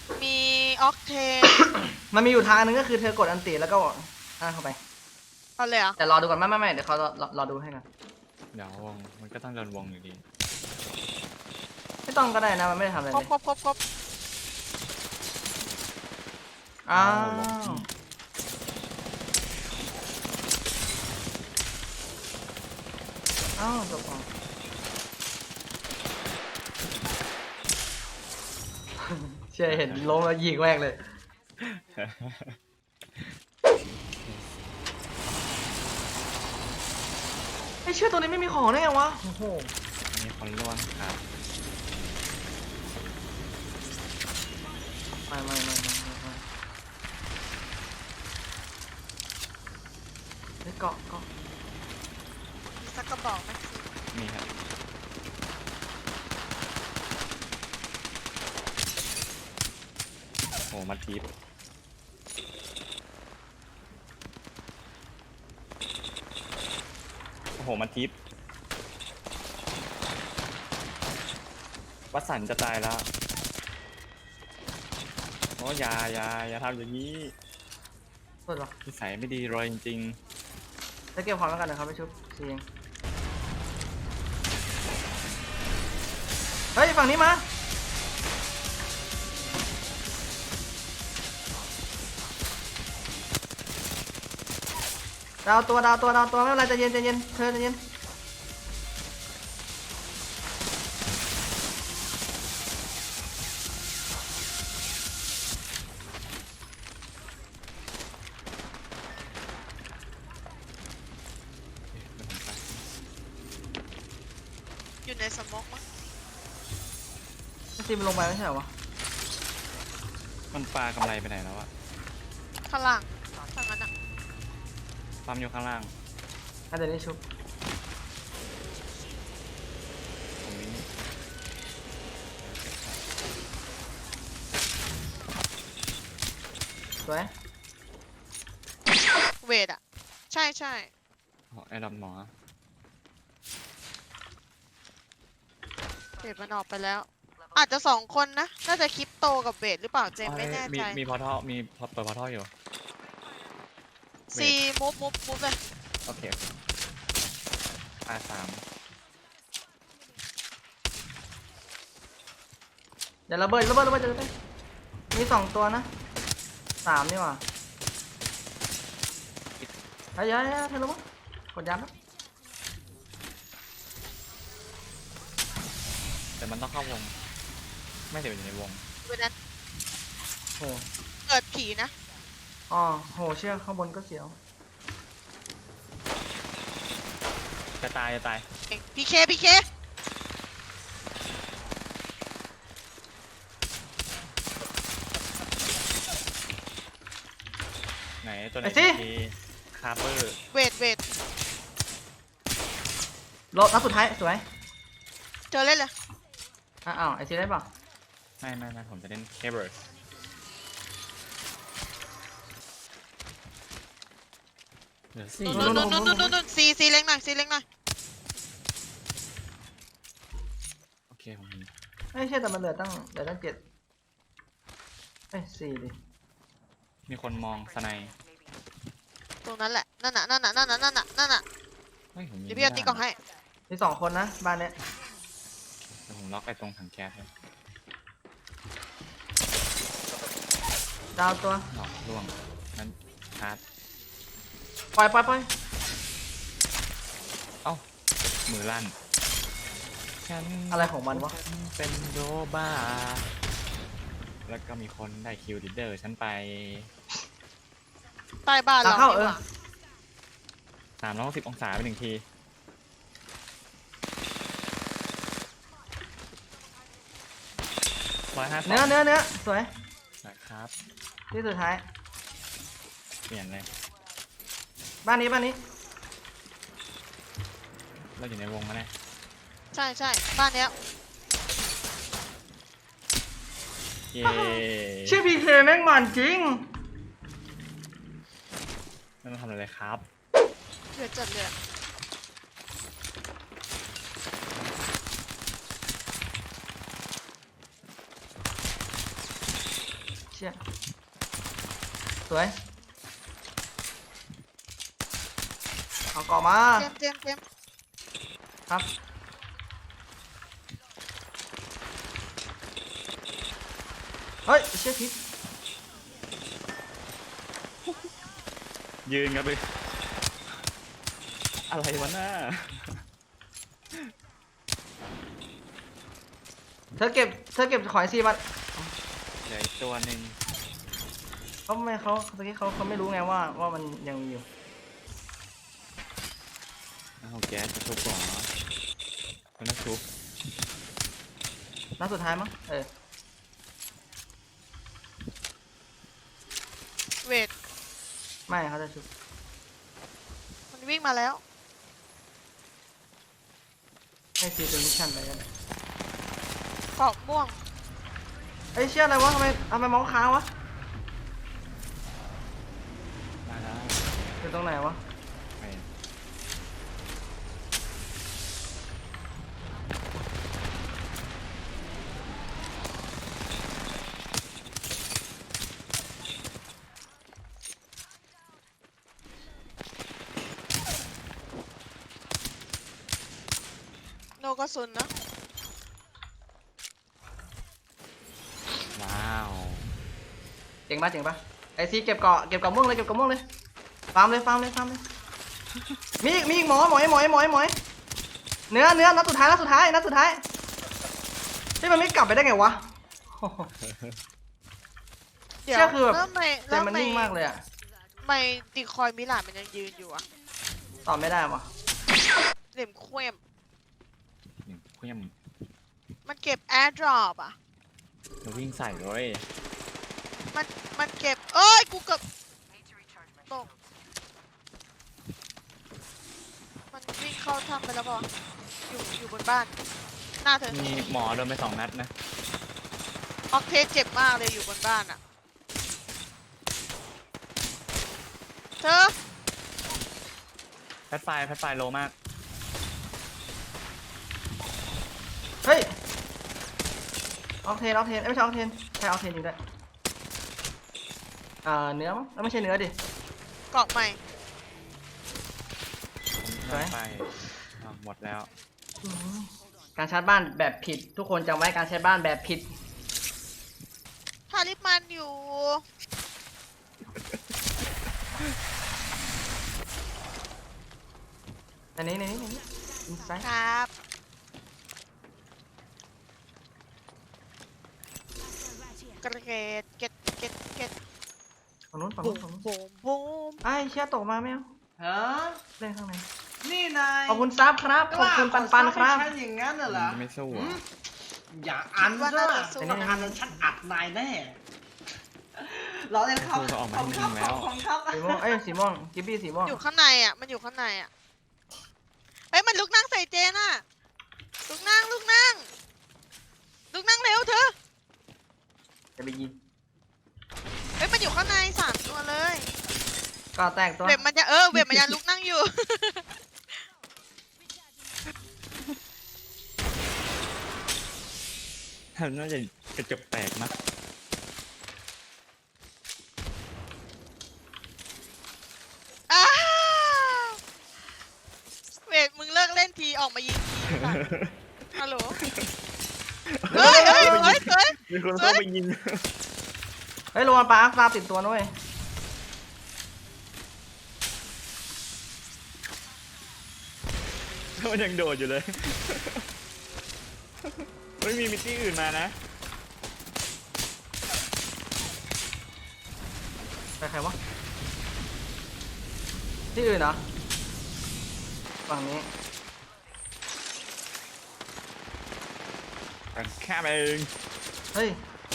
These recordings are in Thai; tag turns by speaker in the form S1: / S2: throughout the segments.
S1: มีออกเทน
S2: มันมีอยู่ทางนึงก็คือเธอกดอันติแล้วก็เข้าไป
S1: เอาเลยเหรอ
S2: แต่รอดูก่อนไม่เดี๋ยวเขารอดูให้กัน
S3: เดี๋ยววงมันก็ต้องโดนวงอยู่ดี
S2: ไม่ต้องก็ได้นะมันไม่ได้ทำอะไร
S1: คร
S2: เล
S1: บ
S2: ย
S1: ครบ
S2: อ้า
S3: ลง
S2: ว
S3: ที่
S2: อ้าวจบก่อน เชื่อเห็นล้มแล้วยิงแม่งเลยไอ้เชื่อตัวนี้ไม่มีของได้ไงวะโอ้โห
S3: มีคนล่วงครับ
S2: ไม่เฮ้ยเกาะ
S1: มีสักกระบอกไหม
S3: นี่ครับโอ้มาทิปโอ้โหมาทิปวัดสันจะตายแล้วโอ้อย่าทำอย่างนี้
S2: สุดวะ
S3: นิสัยไม่ดีเลยจริง
S2: จะเก็บของแล้วกันนะครับไปชุบเสียงเฮ้ยฝั่งนี้มาดาวตัวไม่เป็นไรใจเย็นเธอใจเย็น
S1: อยู่ในสมองมั้ง
S2: ไม่ซีมันลงไปไม่ใช่เหรอวะ
S3: ๆมันปลากำไรไปไหนแล้วอะ
S1: ข้างล่างทางนั้นอะ
S3: ปั๊มอยู่ข้างล่าง
S2: ถ้าเดี๋ยวนี้ชุบ
S3: ตรงนี้
S2: สวย
S1: เวทอะใช่
S3: โอ้ไอ้ดำหมอ
S1: เวทมันออกไปแล้ว อาจจะ2 คนนะ น่าจะคริปโตกับเวทหรือเปล่าเจมไม่แน่ใจ
S3: มีพอท่อมีเปิดพอท่ออยู่
S1: ซีมูฟเลย
S3: โอเคR3
S2: เดี๋ยวระเบิดมี2 ตัวนะ3นี่หว่าเฮ้ยเธอรู้มั้ยกดยันนะ
S3: แต่มันต้องเข้าวง ไม่เดี๋ยวอยู่ในวง
S1: เวทนั้น
S2: โห
S1: เกิดผีนะ
S2: อ๋อโหเชื่อข้างบนก็เสียว
S3: จะตาย
S1: พีเค
S3: ไหนตัวไหน
S2: ไอ้สิ
S3: ทีคาร์เบอร์
S1: เวท
S2: รอบนัดสุดท้ายสวย
S1: เจอเล่นเลย
S2: อ้าวไอซีได้ป่ะ
S3: ไม่ผมจะเล่นเคเบิร์สเหลือสี่
S1: นู่นซีเล็งหน่อย
S3: โอเคผมเห็น
S2: ไม่ใช่แต่มันเหลือตั้ง7เอ้ย4ดิ
S3: มีคนมองสไนด์
S1: ตรงนั้นแหละ นั่นน่ะ
S3: เฮ้ยผมยิง
S1: เดี๋ยวพี่เอาตีกล่องให้
S2: มี2 คนนะบ้านเนี้ย
S3: เดี๋ยวผมล็อกไอ้ตรงถังแก๊สเลย
S2: ดาวตัว
S3: หลอกล่วงนั้นชาร์จ
S2: ปล่อย
S3: เอ้ามือลั่นฉัน
S2: อะไรของมันวะ
S3: เป็นโดบ้าแล้วก็มีคนได้คิวดิเดอร์ฉันไป
S1: ใต้บ้าน
S2: ตา
S1: เรา
S2: เข้า
S1: ดีกว่า
S3: 360 องศาไป1 ที150
S2: เนื้อสวย
S3: นะครับ
S2: ที่สุดท้าย
S3: เปลี่ยนเลย
S2: บ้านนี้
S3: เราอยู่ในวงมาแน่
S1: ใช่บ้านเนี้ย
S3: เย้
S2: ชื่อพีเคแม่งมันจริง
S3: ไม่ต้องทำอะไรเลยครับ
S1: เดือดจัดเลยอะ
S2: ชี่ยสวยเอาเกาะมา
S1: เจมส์
S2: ครับเฮ้ยเชี่ยพิษ
S3: ยืนกันเลยอะไรวะน่า
S2: เธอเก็บขอยซีบัต
S3: เหลืออีกตัวหนึ่ง
S2: เขาไม่เขาเมื่อกี้เขาไม่รู้ไงว่ามันยังมีอยู่
S3: เอาแก๊สจะทุบก่อนเนาะมันน่าทุบ
S2: นัดสุดท้ายมั้ง
S1: เวท
S2: ไม่เขาจะชุบ
S1: มันวิ่งมาแล้ว
S2: ให้ซีตัวมิชชั่นไปกัน
S1: เกาะม่วง
S2: เอ้ยเชี่ยอะไรวะทำไมเมาส์ค้างวะ
S3: มาแล้ว
S2: อยู่ตรงไหนวะ
S3: ไป
S1: โนกระสุนนะ
S3: ว้าว
S2: เจ๋งปะไอซีเก็บเกาะม่วงเลยฟาร์มเลยมีอีกหมอยเนื้อนัดสุดท้ายที่มันไม่กลับไปได้ไงวะ
S1: เดี๋ยว
S2: เชื่อคือแบบ
S1: แล้วไม่
S2: ใจมันนิ่งมากเลยอะ
S1: ไม่ตีคอยมิลานมันยังยืนอยู่อะ
S2: ตอบไม่ได้วะ
S1: เหลี่ยมเคว้ม
S3: หนึ่งเคลื่อน
S1: มันเก็บแอร์ดรอปอะ
S3: เราวิ่งใส่เลย
S1: มันเก็บเอ้ยกูเกือบตกมันวิ่งเข้าถ้ำไปแล้วป่ะอยู่บนบ้าน หน้าเธอ
S3: มีหมอโดนไป2 นัดนะ
S1: ออกเทสเจ็บมากเลยอยู่บนบ้านอะเธอ
S3: แพทไฟโลมาก
S2: เฮ้ยออกเทนไม่ใช่ออกเทนใช่ออกเทนจริงด้วยเนื้อมั้งไม่ใช่เนื้อดิ
S1: เกาะใหม่
S2: สวย
S3: ไปหมดแล้ว
S2: การชาร์จบ้านแบบผิดทุกคนจำไว้การใช้บ้านแบบผิด
S1: ทาริปมันอยู่
S2: ในนี้อินไซด์
S1: ครับ กระเกตเก็ต
S2: ฝั่งนู้น
S1: บูมบูม
S2: ไอ้เชี่ยตกมาไม่เอา
S4: ฮะ
S2: เล่นข้างใน
S4: นี่นาย
S2: ขอบคุณซับครับขอบคุณปันครับ
S4: ฉันอย่างนั้นน่ะเหรอ
S3: ไม่สู้
S4: หื
S3: อ่ะ
S4: มอย่าอัน
S1: ว่า
S4: ซะ
S1: น่าจะสู้
S2: อันนี้
S4: อันนั้นฉันอัดนายแน่ล้อเล่นครับ
S3: สู้เขาออกมา
S4: ขอบ
S3: ให้
S4: คุณ
S3: ยิ
S4: ครับ
S3: งแล้ว
S4: ขอบคุณครับ
S2: สีม่วงสีม่วงกิบบี้สีม่วง
S1: อยู่ข้างในอ่ะ มันอยู่ข้างในอ่ะเฮ้ยมันลุกนั่งใส่เจนอ่ะลุกนั่งเร็วเธอ
S2: จะไปยิง
S1: เฮ้ยมันอยู่ข้างใน3 ตัวเลย
S2: ก็แตกตัว
S1: เว็บมันยังลุกนั่งอยู่
S3: น่าจะกระจกแตกนะ
S1: อ้าวเวทมึงเลิกเล่นทีออกมายิงทีค่ะฮัลโหลเฮ้ย
S3: มีคนเข้าไปยิง
S2: เฮ้ยโรนปลาฟาติดตัวด้วย
S3: มันยังโดดอยู่เลย ไม่มีมิตตี้อื่นมานะ
S2: ไปใครวะที่อื่นเหรอฝั่งนี้
S3: กันแค่เอง
S2: เฮ้ย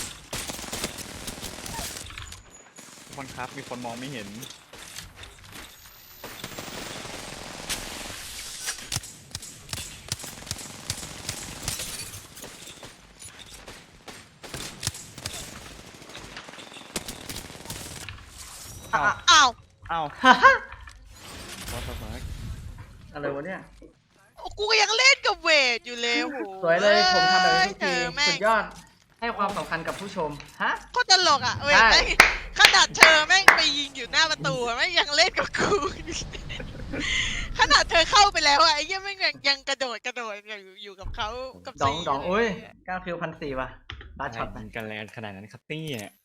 S3: ทุกคนครับมีคนมองไม่เห็น
S1: อ้าว
S3: เอ้า
S2: ฮ่าฮ่า
S3: What the fuck
S2: อะไรวะเนี่ย
S1: กูก็ยังเล่นกับเวทอยู่เลยโห
S2: สวยเลยผมทำแบบนี้ทุก
S1: เธ
S2: ที
S1: อแม่
S2: สุ
S1: ง
S2: ดยอดให้ความสำคัญกับผู้ชมฮะ
S1: โคตรตลกอ่ะเว้ย
S2: ใช่
S1: แม่งขนาดเธอแม่งไปยิงอยู่หน้าประตูอะแม่งยังเล่นกับกู ขนาดเธอเข้าไปแล้วอะไอ้เหี้ยแม่งยังกระโดดอยู่กับเขากับ
S2: ดอง
S1: ซี
S2: ดองอุ้ย9 คิว 1,400 ว่ะลาช็อตไป
S3: ยิงกันแรงขนาดนั้นครับเนี่ย